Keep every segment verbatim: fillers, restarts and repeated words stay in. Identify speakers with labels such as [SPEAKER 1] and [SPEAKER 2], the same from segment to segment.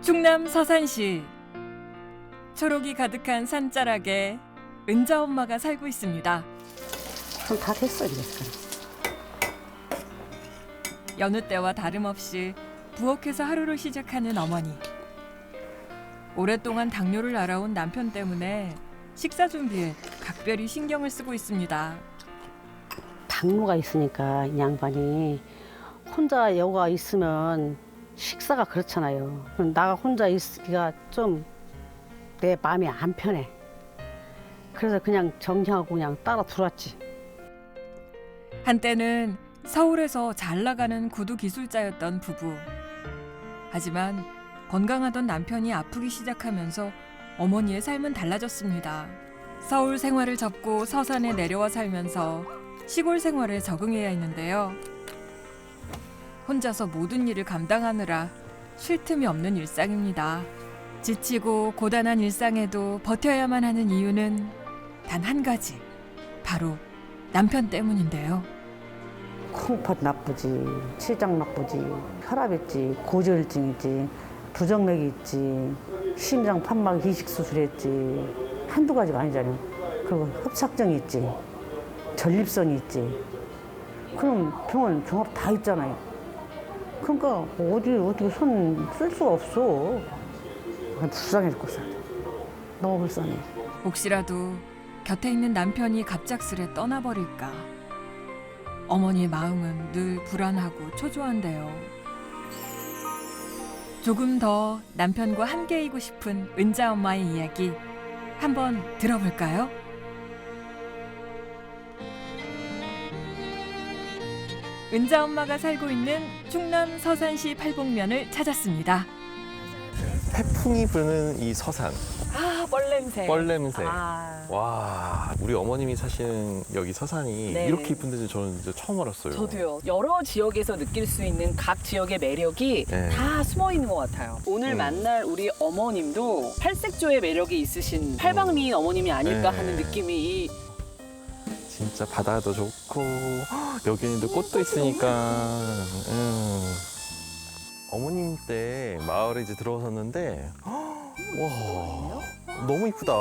[SPEAKER 1] 충남 서산시 초록이 가득한 산자락에 은자 엄마가 살고 있습니다.
[SPEAKER 2] 그럼 다 됐어 이제.
[SPEAKER 1] 여느 때와 다름없이 부엌에서 하루를 시작하는 어머니. 오랫동안 당뇨를 알아온 남편 때문에 식사 준비에 각별히 신경을 쓰고 있습니다.
[SPEAKER 2] 당뇨가 있으니까 이 양반이 혼자 여가 있으면 식사가 그렇잖아요. 그럼 나가 혼자 있기가 좀 내 마음이 안 편해. 그래서 그냥 정리하고 그냥 따라 들어왔지.
[SPEAKER 1] 한때는 서울에서 잘 나가는 구두 기술자였던 부부. 하지만 건강하던 남편이 아프기 시작하면서 어머니의 삶은 달라졌습니다. 서울 생활을 접고 서산에 내려와 살면서 시골 생활에 적응해야 했는데요. 혼자서 모든 일을 감당하느라 쉴 틈이 없는 일상입니다. 지치고 고단한 일상에도 버텨야만 하는 이유는 단 한 가지, 바로 남편 때문인데요.
[SPEAKER 2] 콩팥 나쁘지, 췌장 나쁘지, 혈압 있지, 고지혈증 있지, 부정맥이 있지, 심장 판막 이식 수술했지. 한두 가지가 아니잖아요. 그리고 협착증이 있지, 전립선이 있지. 그럼 병원 종합 다 있잖아요. 그러니까 어디 어떻게 손 쓸 수가 없어. 불쌍해 죽겠어. 너무 불쌍해.
[SPEAKER 1] 혹시라도 곁에 있는 남편이 갑작스레 떠나버릴까. 어머니의 마음은 늘 불안하고 초조한데요. 조금 더 남편과 함께이고 싶은 은자 엄마의 이야기 한번 들어볼까요? 은자 엄마가 살고 있는 충남 서산시 팔복면을 찾았습니다.
[SPEAKER 3] 태풍이 부는 이 서산,
[SPEAKER 4] 아, 뻘냄새.
[SPEAKER 3] 뻘냄새.
[SPEAKER 4] 아,
[SPEAKER 3] 와, 우리 어머님이 사시는 여기 서산이
[SPEAKER 4] 네.
[SPEAKER 3] 이렇게 이쁜 데는 저는 이제 처음 알았어요.
[SPEAKER 4] 저도요. 여러 지역에서 느낄 수 있는 각 지역의 매력이
[SPEAKER 3] 네.
[SPEAKER 4] 다 숨어 있는 것 같아요. 오늘
[SPEAKER 3] 음.
[SPEAKER 4] 만날 우리 어머님도 팔색조의 매력이 있으신 팔방미인 어머님이 아닐까
[SPEAKER 3] 네.
[SPEAKER 4] 하는 느낌이 이
[SPEAKER 3] 진짜 바다도 좋고 헉, 여기는 또 꽃도 있으니까. 음. 어머님 때 마을에 이제 들어섰는데 헉, 와, 너무 이쁘다.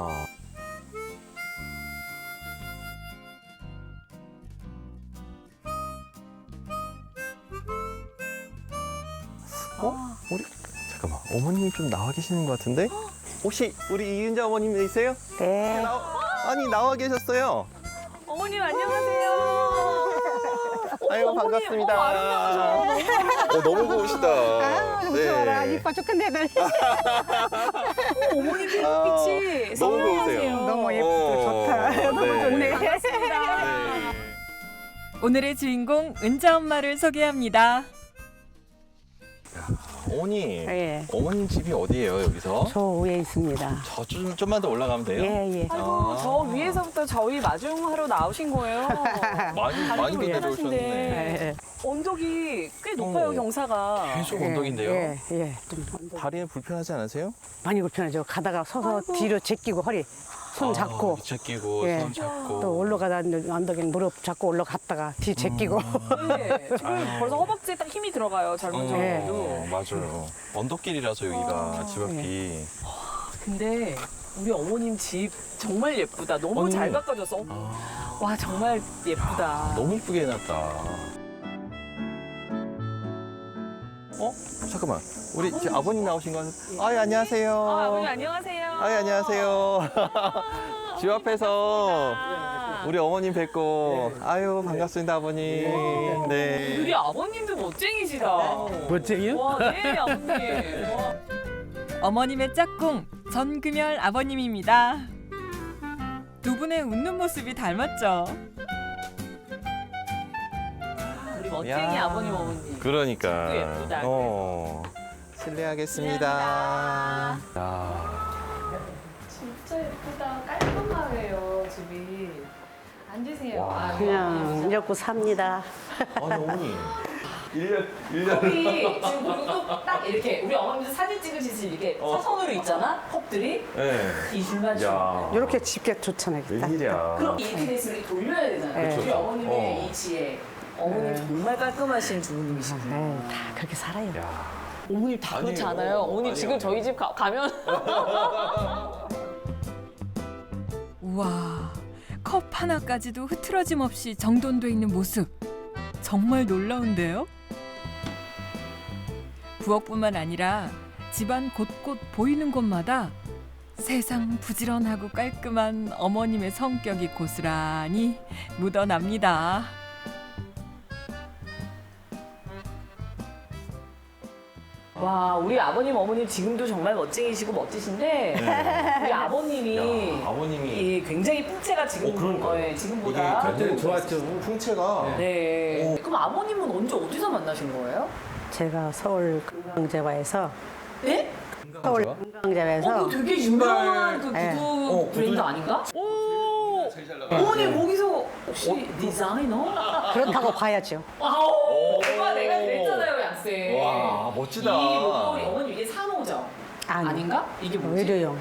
[SPEAKER 3] 어? 우리 잠깐만, 어머님이 좀 나와 계시는 것 같은데? 혹시 우리 이은자 어머님이세요?
[SPEAKER 2] 네.
[SPEAKER 3] 나와- 아니 나와 계셨어요.
[SPEAKER 4] 어머님 안녕하세요.
[SPEAKER 3] 아이고
[SPEAKER 4] 어머니,
[SPEAKER 3] 반갑습니다.
[SPEAKER 4] 어, 아름다우셔.
[SPEAKER 3] 어, 너무 고우시다.
[SPEAKER 2] 아우
[SPEAKER 3] 네.
[SPEAKER 2] 좋아라 이뻐 죽겠네. 나.
[SPEAKER 4] 어머님 빛이
[SPEAKER 3] 아, 너무 고우세요.
[SPEAKER 2] 너무 예쁘고 좋다. 너무 좋네.
[SPEAKER 4] 반갑습니다.
[SPEAKER 3] 네.
[SPEAKER 1] 오늘의 주인공 은자 엄마를 소개합니다.
[SPEAKER 3] 어머니,
[SPEAKER 2] 예.
[SPEAKER 3] 어머님 집이 어디예요 여기서?
[SPEAKER 2] 저 위에 있습니다.
[SPEAKER 3] 저 좀, 좀만 더 올라가면 돼요?
[SPEAKER 2] 예 예.
[SPEAKER 4] 아이고,
[SPEAKER 3] 아.
[SPEAKER 4] 저 위에서부터 저희 마중하러 나오신 거예요.
[SPEAKER 3] 많이 많이
[SPEAKER 4] 다리도
[SPEAKER 3] 내려오셨네.
[SPEAKER 4] 편하신데.
[SPEAKER 2] 예,
[SPEAKER 4] 언덕이 꽤 높아요,
[SPEAKER 3] 어.
[SPEAKER 4] 경사가.
[SPEAKER 3] 계속
[SPEAKER 2] 예.
[SPEAKER 3] 언덕인데요.
[SPEAKER 2] 예 예. 좀 언덕.
[SPEAKER 3] 다리는 불편하지 않으세요?
[SPEAKER 2] 많이 불편하죠. 가다가 서서
[SPEAKER 4] 아이고.
[SPEAKER 2] 뒤로 제끼고 허리 손 잡고
[SPEAKER 3] 밑에 끼고
[SPEAKER 2] 예.
[SPEAKER 3] 손 잡고.
[SPEAKER 2] 또 올라가다 언덕에 무릎 잡고 올라갔다가 뒤 제끼고.
[SPEAKER 4] 네, 지금
[SPEAKER 3] 아유.
[SPEAKER 4] 벌써 허벅지에 딱 힘이 들어가요, 젊은
[SPEAKER 3] 어,
[SPEAKER 4] 저도.
[SPEAKER 3] 맞아요. 언덕길이라서 여기가
[SPEAKER 4] 아,
[SPEAKER 3] 집 앞이.
[SPEAKER 4] 근데 우리 어머님 집 정말 예쁘다. 너무
[SPEAKER 3] 언니.
[SPEAKER 4] 잘 가꿔줘서.
[SPEAKER 3] 아,
[SPEAKER 4] 와, 정말 예쁘다.
[SPEAKER 3] 너무 이쁘게 해놨다. 어? 잠깐만. 우리 지금 아버님 나오신 건? 아, 예, 안녕하세요.
[SPEAKER 4] 아, 아버님 안녕하세요.
[SPEAKER 3] 아, 예, 안녕하세요. 집 앞에서 우리 어머님 뵙고. 아유, 반갑습니다, 아버님. 네.
[SPEAKER 4] 우리 아버님도 멋쟁이시다.
[SPEAKER 2] 멋쟁이요?
[SPEAKER 4] 와, 네, 아버님. 와.
[SPEAKER 1] 어머님의 짝꿍 전금열 아버님입니다. 두 분의 웃는 모습이 닮았죠.
[SPEAKER 4] 우리 멋쟁이
[SPEAKER 3] 야.
[SPEAKER 4] 아버님, 어머님.
[SPEAKER 3] 그러니까.
[SPEAKER 4] 집도 예쁘다,
[SPEAKER 3] 어. 실례하겠습니다. 야.
[SPEAKER 4] 진짜 예쁘다. 깔끔하네요, 집이. 앉으세요.
[SPEAKER 3] 와.
[SPEAKER 4] 아,
[SPEAKER 2] 그냥 이렇게 삽니다.
[SPEAKER 3] 아니, 어머니. 일 년, 일 년.
[SPEAKER 4] 컵이 지금 그리고 또 딱 이렇게 우리 어머님도 사진 찍으실 이렇게
[SPEAKER 3] 어.
[SPEAKER 4] 사선으로 있잖아, 컵들이.
[SPEAKER 3] 네.
[SPEAKER 4] 이 줄만 줄.
[SPEAKER 3] 야.
[SPEAKER 2] 이렇게 집게 좋잖아요. 딱.
[SPEAKER 3] 웬일이야.
[SPEAKER 4] 그럼 이렇게 됐으면 이렇게 돌려야 되잖아요.
[SPEAKER 2] 그쵸,
[SPEAKER 4] 우리
[SPEAKER 3] 그쵸.
[SPEAKER 4] 어머님의
[SPEAKER 3] 어.
[SPEAKER 4] 이 지혜. 어머님 정말 깔끔하신 부모님이시고.
[SPEAKER 2] 네, 다 그렇게 살아요.
[SPEAKER 3] 야.
[SPEAKER 4] 어머님 다 그렇지
[SPEAKER 3] 아니에요.
[SPEAKER 4] 않아요? 어머님
[SPEAKER 3] 아니에요.
[SPEAKER 4] 지금 저희 집 가, 가면
[SPEAKER 1] 우와, 컵 하나까지도 흐트러짐 없이 정돈돼 있는 모습. 정말 놀라운데요? 부엌뿐만 아니라 집안 곳곳 보이는 곳마다 세상 부지런하고 깔끔한 어머님의 성격이 고스란히 묻어납니다.
[SPEAKER 4] 와 우리 아버님 어머님 지금도 정말 멋쟁이시고 멋지신데 우리 아버님이
[SPEAKER 3] 야, 아버님이
[SPEAKER 4] 예, 굉장히 풍채가 지금
[SPEAKER 3] 어, 그러니까요.
[SPEAKER 4] 예, 지금보다
[SPEAKER 3] 이게
[SPEAKER 5] 그때는 좋았죠.
[SPEAKER 3] 풍채가
[SPEAKER 4] 네. 그럼 아버님은 언제 어디서 만나신 거예요?
[SPEAKER 2] 제가 서울 금강제화에서
[SPEAKER 4] 네?
[SPEAKER 2] 서울
[SPEAKER 3] 제가?
[SPEAKER 4] 어,
[SPEAKER 2] 금강제화에서
[SPEAKER 4] 그 되게 유명한 그 구두
[SPEAKER 2] 네.
[SPEAKER 3] 어,
[SPEAKER 4] 브랜드
[SPEAKER 3] 구두-
[SPEAKER 4] 아닌가? 오, 어머님 거기서 혹시 디자이너?
[SPEAKER 2] 그렇다고 봐야죠.
[SPEAKER 4] 아우, 엄마 내가 그랬잖아요, 양쌤.
[SPEAKER 3] 와, 멋지다.
[SPEAKER 4] 이 목걸이 어머님 이게 산호죠?
[SPEAKER 2] 아니.
[SPEAKER 4] 아닌가? 이게 뭐지?
[SPEAKER 2] 외래용.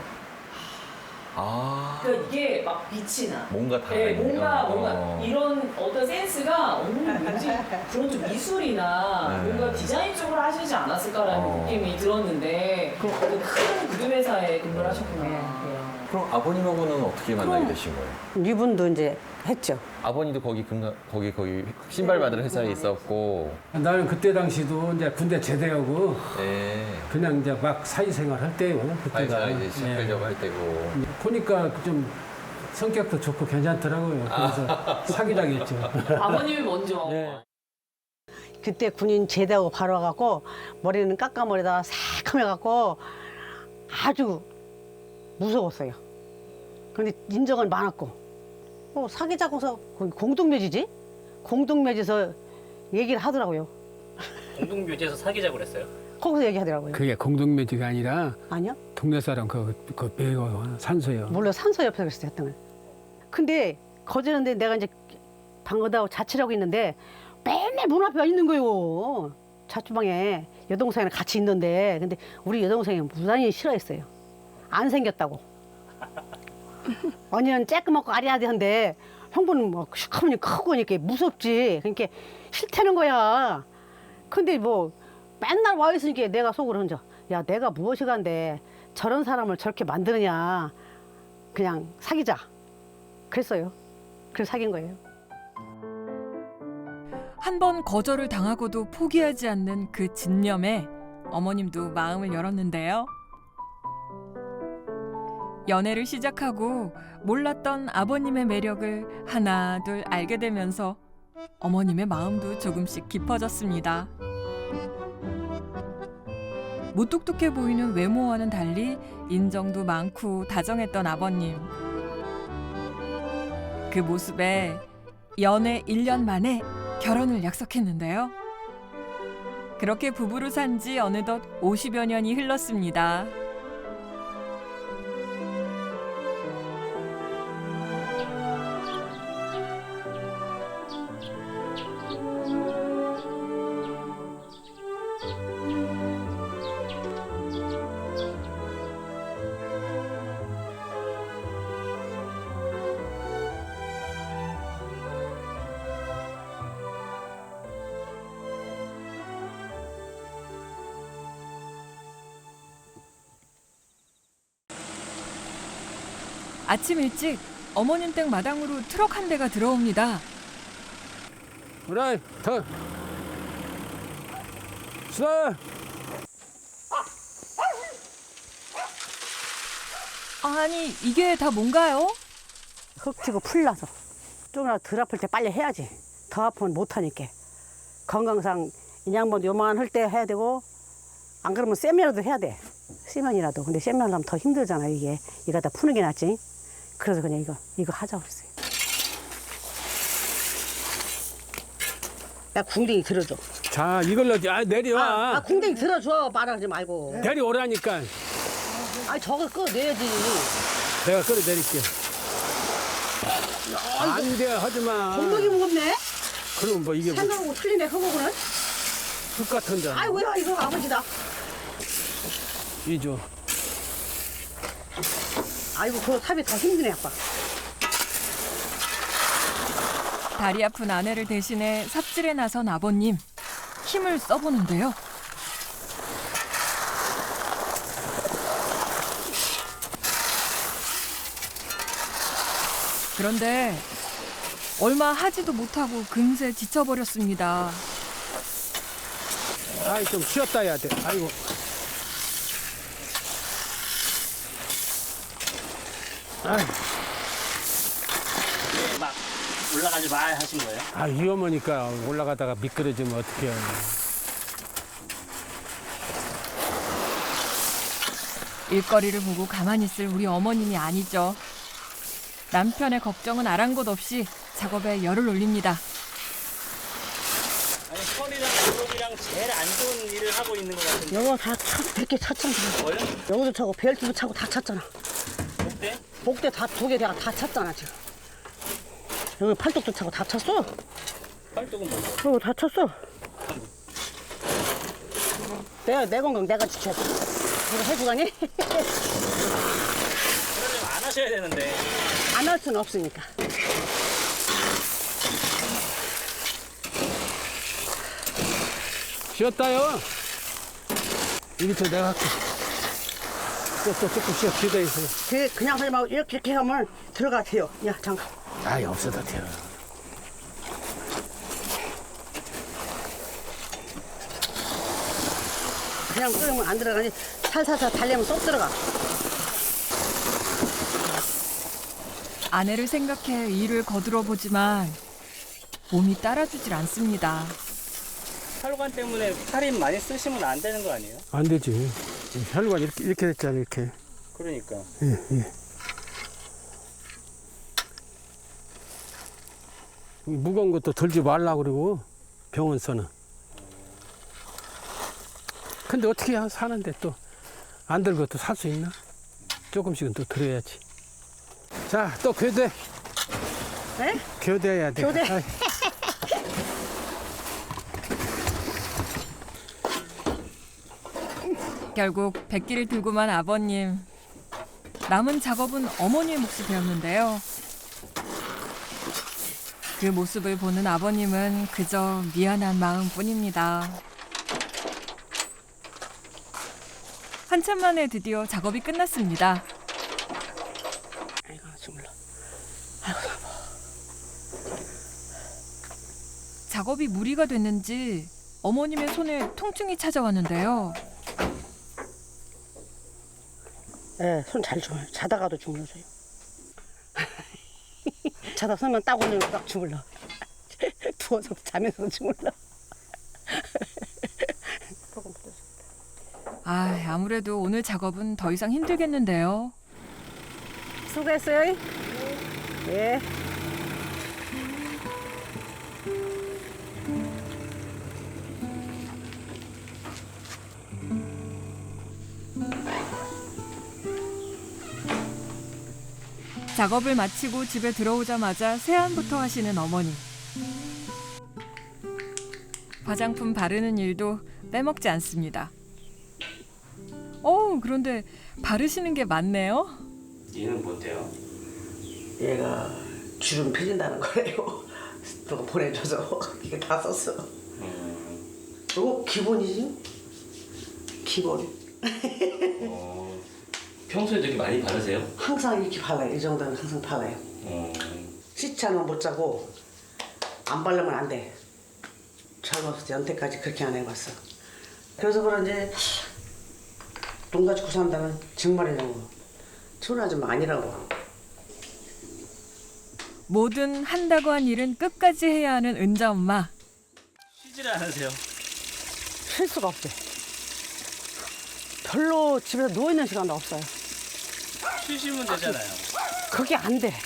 [SPEAKER 3] 아
[SPEAKER 4] 그러니까 이게 막 빛이 나.
[SPEAKER 3] 뭔가 다
[SPEAKER 4] 네,
[SPEAKER 3] 있네요.
[SPEAKER 4] 뭔가 뭔가
[SPEAKER 3] 어.
[SPEAKER 4] 이런 어떤 센스가 어머님 왠지 그런 좀 미술이나
[SPEAKER 3] 네.
[SPEAKER 4] 뭔가 디자인 쪽으로 하시지 않았을까라는
[SPEAKER 3] 어.
[SPEAKER 4] 느낌이 들었는데 그 큰 구두 회사에 근무를 하셨구나.
[SPEAKER 2] 네.
[SPEAKER 3] 그럼 아버님하고는 어떻게 만나게
[SPEAKER 4] 그럼-
[SPEAKER 3] 되신 거예요?
[SPEAKER 2] 이분도 이제 했죠.
[SPEAKER 3] 아버님도 거기 금가 거기 거기 신발 만드는 회사에 있었고.
[SPEAKER 5] 나는 그때 당시도 이제 군대 제대하고
[SPEAKER 3] 네.
[SPEAKER 5] 그냥 이제 막 사회생활 할 때요. 그때가.
[SPEAKER 3] 사회생활 이제 시작하려고
[SPEAKER 5] 예.
[SPEAKER 3] 할 때고.
[SPEAKER 5] 보니까 좀 성격도 좋고 괜찮더라고요. 그래서 사귀자고 했죠.
[SPEAKER 4] 아버님이 먼저.
[SPEAKER 5] 네.
[SPEAKER 2] 그때 군인 제대하고 바로 와갖고 머리는 깎아머리다가 새카매갖고 아주 무서웠어요. 그런데 인정은 많았고 어, 사귀자고서 거기 공동묘지지? 공동묘지에서 얘기를 하더라고요.
[SPEAKER 6] 공동묘지에서 사귀자고 그랬어요?
[SPEAKER 2] 거기서 얘기하더라고요.
[SPEAKER 5] 그게 공동묘지가 아니라
[SPEAKER 2] 아니요?
[SPEAKER 5] 동네 사람 그, 그 배우 산소요.
[SPEAKER 2] 몰라 산소 옆에서 그랬어요. 했던 걸. 근데 거제는데 내가 이제 방거다고 자취를 하고 있는데 맨날 문 앞에 와 있는 거예요. 자취방에 여동생이랑 같이 있는데 근데 우리 여동생이 무단히 싫어했어요. 안 생겼다고. 언니는 쬐끄맣고 아리아리한데 형부는 뭐 시커머니 크고 이렇게 무섭지. 그러니까 싫다는 거야. 근데 뭐 맨날 와 있으니까 내가 속으로 혼자 야 내가 무엇이 간데 저런 사람을 저렇게 만드느냐. 그냥 사귀자. 그랬어요. 그래서 사귄 거예요.
[SPEAKER 1] 한 번 거절을 당하고도 포기하지 않는 그 진념에 어머님도 마음을 열었는데요. 연애를 시작하고 몰랐던 아버님의 매력을 하나 둘 알게 되면서 어머님의 마음도 조금씩 깊어졌습니다. 무뚝뚝해 보이는 외모와는 달리 인정도 많고 다정했던 아버님. 그 모습에 연애 일 년 만에 결혼을 약속했는데요. 그렇게 부부로 산 지 어느덧 오십여 년이 흘렀습니다. 아침 일찍 어머님 댁 마당으로 트럭 한 대가 들어옵니다.
[SPEAKER 5] 그래, 더. 수다.
[SPEAKER 1] 아니 이게 다 뭔가요?
[SPEAKER 2] 흙 튀고 풀 나서 조금이라도 덜 아플 때 빨리 해야지. 더 아프면 못하니까. 건강상 인양반도 요만할 때 해야 되고 안 그러면 세면이라도 해야 돼. 세면이라도. 근데 세면 하려면 더 힘들잖아 이게. 이거 다 푸는 게 낫지. 그래서 그냥 이거 이거 하자고 그랬어요. 야 궁뎅이 들어줘.
[SPEAKER 5] 자, 이걸로 아, 내려와.
[SPEAKER 2] 아, 아 궁뎅이 들어줘. 말하지 말고.
[SPEAKER 5] 내려오라니까.
[SPEAKER 2] 아 저거 꺼내야지.
[SPEAKER 5] 내가 끌어내릴게. 안 돼, 하지 마.
[SPEAKER 2] 엉덩이 무겁네.
[SPEAKER 5] 그럼 뭐 이게 뭐
[SPEAKER 2] 생각하고 틀리네 그거구나.
[SPEAKER 5] 흙 같은데.
[SPEAKER 2] 아이고 야 이거 아버지다.
[SPEAKER 5] 이줘.
[SPEAKER 2] 아이고 그거 삽이 더 힘드네 아빠.
[SPEAKER 1] 다리 아픈 아내를 대신해 삽질에 나선 아버님. 힘을 써보는데요. 그런데 얼마 하지도 못하고 금세 지쳐버렸습니다.
[SPEAKER 5] 아이, 좀 쉬었다 해야 돼. 아이고. 아이,
[SPEAKER 6] 막 올라가지 마 하신 거예요?
[SPEAKER 5] 아, 위험하니까 올라가다가 미끄러지면 어떡해.
[SPEAKER 1] 일거리를 보고 가만히 있을 우리 어머님이 아니죠. 남편의 걱정은 아랑곳 없이 작업에 열을 올립니다.
[SPEAKER 6] 아니 허리랑 무릎이랑 제일 안 좋은 일을 하고 있는 것 같은데.
[SPEAKER 7] 영어 다 백개 찼잖아.
[SPEAKER 6] 뭐요?
[SPEAKER 7] 영어도 차고 벨트도 차고 다 찼잖아.
[SPEAKER 6] 어때?
[SPEAKER 7] 복대 다 두 개 내가 다 찼잖아 지금. 여기 팔뚝도 차고 다 찼어.
[SPEAKER 6] 팔뚝은 뭐야?
[SPEAKER 7] 여기 다 찼어. 내가 내 건강 내가 지켜야 돼. 이거 해주가니?
[SPEAKER 6] 그러려면 안 하셔야 되는데.
[SPEAKER 7] 안 할 수는 없으니까.
[SPEAKER 5] 쉬었다요. 이리부터 내가 할게. 또, 또 조금 쉬어. 기다려 있어요.
[SPEAKER 7] 그 그냥 하지 말고 이렇게 이렇게 하면 들어가 돼요. 야 잠깐.
[SPEAKER 5] 아이, 없어도 돼요.
[SPEAKER 7] 그냥 끓으면 안 들어가니 살살살 달래면 쏙 들어가.
[SPEAKER 1] 아내를 생각해 일을 거들어 보지만 몸이 따라주질 않습니다.
[SPEAKER 6] 혈관 때문에 살인 많이 쓰시면 안 되는 거 아니에요?
[SPEAKER 5] 안 되지. 혈관 이렇게, 이렇게 됐잖아, 이렇게.
[SPEAKER 6] 그러니까.
[SPEAKER 5] 예, 예. 무거운 것도 들지 말라고 그러고, 병원서는. 근데 어떻게 하- 사는데 또 안 들고 또 살 수 있나? 조금씩은 또 들어야지. 자, 또 교대.
[SPEAKER 7] 네?
[SPEAKER 5] 교대해야 돼.
[SPEAKER 7] 교대.
[SPEAKER 5] 아이.
[SPEAKER 1] 결국 백기를 들고만 아버님. 남은 작업은 어머니의 몫이 되었는데요. 그 모습을 보는 아버님은 그저 미안한 마음뿐입니다. 한참 만에 드디어 작업이 끝났습니다.
[SPEAKER 7] 아이고 정말.
[SPEAKER 1] 작업이 무리가 됐는지 어머님의 손에 통증이 찾아왔는데요.
[SPEAKER 7] 예, 손 잘 줘요. 자다가도 주물러줘요. 자다 서면 딱 올리면 딱 주물러. 누워서 자면서 주물러.
[SPEAKER 1] 아, 아무래도 오늘 작업은 더 이상 힘들겠는데요.
[SPEAKER 7] 수고했어요. 예.
[SPEAKER 1] 작업을 마치고 집에 들어오자마자 세안부터 하시는 어머니. 화장품 바르는 일도 빼먹지 않습니다. 어, 그런데 바르시는 게 많네요.
[SPEAKER 6] 얘는 뭔데요?
[SPEAKER 7] 얘가 주름 펴진다는 거래요. 누가 보내줘서 이게 다 썼어. 이거 기본이지? 기본.
[SPEAKER 6] 어, 평소에 되게 많이 바르세요?
[SPEAKER 7] 항상 이렇게 발라요. 이 정도는 항상 발라요.
[SPEAKER 6] 어,
[SPEAKER 7] 시차는 못 자고 안 바르면 안 돼. 젊었을 때 연태까지 그렇게 안 해봤어. 그래서 그런지 돈 가지고 산다는 정말이라고. 좋은 아줌마 아니라고.
[SPEAKER 1] 뭐든 한다고 한 일은 끝까지 해야 하는 은자 엄마.
[SPEAKER 6] 쉬지를 않으세요?
[SPEAKER 7] 쉴 수가 없대. 별로 집에서 누워있는 시간도 없어요.
[SPEAKER 6] 쉬시면 되잖아요.
[SPEAKER 7] 그게 안 돼.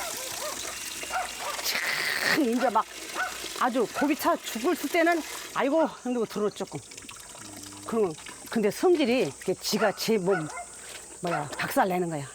[SPEAKER 7] 참 이제 막 아주 고기 차 죽을 때는 아이고 힘들고 들어 조금. 그러면 근데 성질이 이렇게 지가 제 몸 뭐야 박살 내는 거야.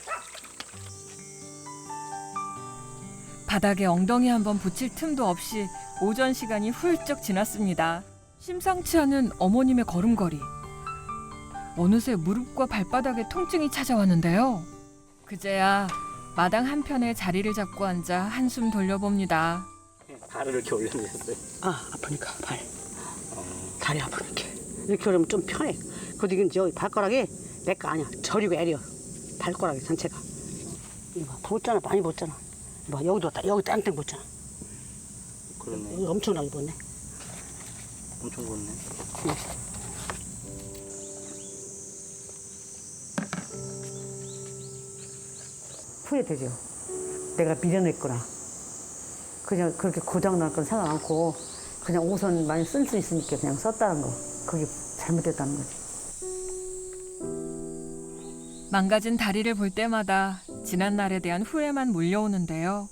[SPEAKER 1] 바닥에 엉덩이 한번 붙일 틈도 없이 오전 시간이 훌쩍 지났습니다. 심상치 않은 어머님의 걸음걸이. 어느새 무릎과 발바닥에 통증이 찾아왔는데요. 그제야 마당 한편에 자리를 잡고 앉아 한숨 돌려봅니다.
[SPEAKER 6] 발을 이렇게 올려주셨어요?
[SPEAKER 7] 아 아프니까 발 다리 아프니까 이렇게 오려면 좀 편해. 그래도 이건 여기 발가락이 내 거 아니야. 저리고 애려 발가락이 전체가. 이거 봐, 부었잖아. 많이 부었잖아. 뭐 여기도 다 여기 땡땡 붙잖아.
[SPEAKER 6] 그러네.
[SPEAKER 7] 여기 엄청나게 붙네.
[SPEAKER 6] 엄청 걷네.
[SPEAKER 2] 후회되죠. 내가 미련했구나. 그냥 그렇게 고장 날 건 생각 않고 그냥 우선 많이 쓸 수 있으니까 그냥 썼다는 거. 그게 잘못됐다는 거지.
[SPEAKER 1] 망가진 다리를 볼 때마다 지난 날에 대한 후회만 몰려오는데요.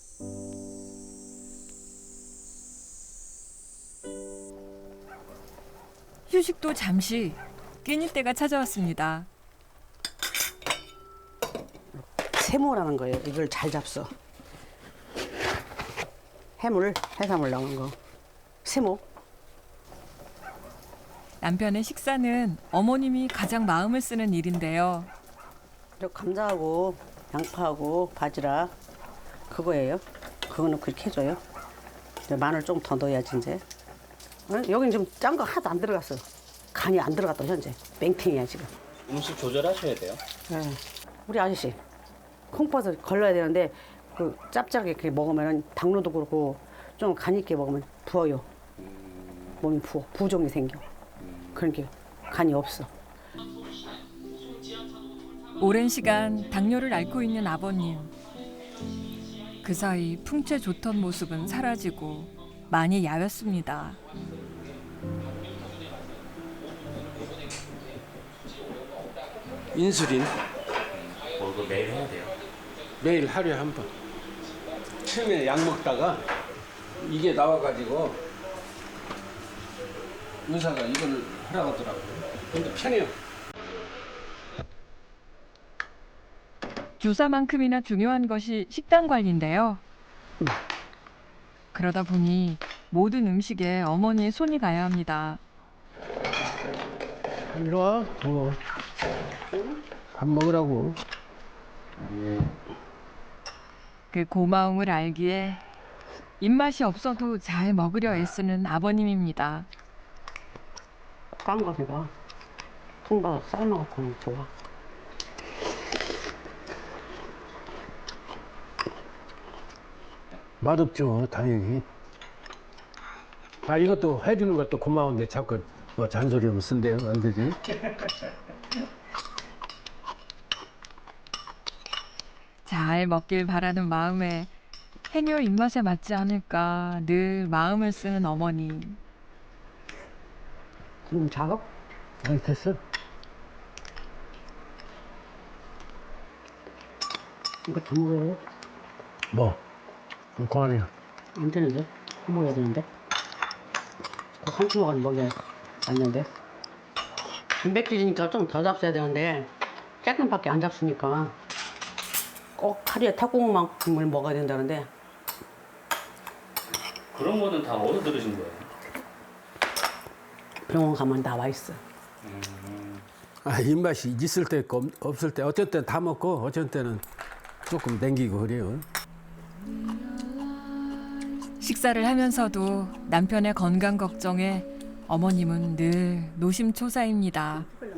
[SPEAKER 1] 휴식도 잠시 끼니 때가 찾아왔습니다.
[SPEAKER 7] 세모라는 거예요. 이걸 잘 잡숴. 해물, 해산물 넣은 거. 세모.
[SPEAKER 1] 남편의 식사는 어머님이 가장 마음을 쓰는 일인데요.
[SPEAKER 7] 저 감자하고 양파하고 바지락 그거예요. 그거는 그렇게 해줘요. 이제 마늘 좀 더 넣어야지 이제. 어? 여긴 좀 짠 거 하나도 안 들어갔어. 간이 안 들어갔다 현재. 맹탱이야 지금.
[SPEAKER 6] 음식 조절하셔야 돼요.
[SPEAKER 7] 예. 우리 아저씨 콩팥을 걸러야 되는데 그 짭짤하게 이렇게 먹으면 당뇨도 그렇고 좀 간 있게 먹으면 부어요. 몸이 부어 부종이 생겨. 그러니까 간이 없어.
[SPEAKER 1] 오랜 시간 당뇨를 앓고 있는 아버님. 그 사이 풍채 좋던 모습은 사라지고 많이 야였습니다.
[SPEAKER 5] 인슐린
[SPEAKER 6] 뭐 이거 매일 해야 돼요.
[SPEAKER 5] 매일 하루에 한 번. 처음에 약 먹다가 이게 나와가지고 의사가 이걸 하라고 하더라고요. 근데 편해요.
[SPEAKER 1] 주사만큼이나 중요한 것이 식단 관리인데요. 그러다 보니 모든 음식에 어머니의 손이 가야 합니다.
[SPEAKER 5] 이리 와. 어. 밥 먹으라고.
[SPEAKER 1] 그 고마움을 알기에 입맛이 없어도 잘 먹으려 애쓰는 아버님입니다.
[SPEAKER 7] 깐 거 이거. 통밥 삶아갖고 좋아.
[SPEAKER 5] 맛없죠, 다행히. 아, 이것도 해주는 것도 고마운데 자꾸 뭐 잔소리하면 쓴대요. 안 되지.
[SPEAKER 1] 잘 먹길 바라는 마음에 해녀 입맛에 맞지 않을까 늘 마음을 쓰는 어머니.
[SPEAKER 7] 지금 작업?
[SPEAKER 5] 안 됐어?
[SPEAKER 7] 이거 다 먹어요?
[SPEAKER 5] 뭐? 그만이야.
[SPEAKER 7] 안 되는데? 먹어야 되는데? 한 주먹은 먹여야 되는데? 단백질이니까 좀 더 잡숴야 되는데 조금밖에 안 잡수니까 꼭 하루에 탁구만큼을 먹어야 된다는데
[SPEAKER 6] 그런 거는 다 어디서 들으신 거예요?
[SPEAKER 7] 병원 가면 나와 있어.
[SPEAKER 5] 아, 입맛이 있을 때 있고 없- 없을 때 어쩔 땐 다 먹고 어쩔 때는 조금 땡기고 그래요.
[SPEAKER 1] 식사를 하면서도 남편의 건강 걱정에 어머님은 늘 노심초사입니다.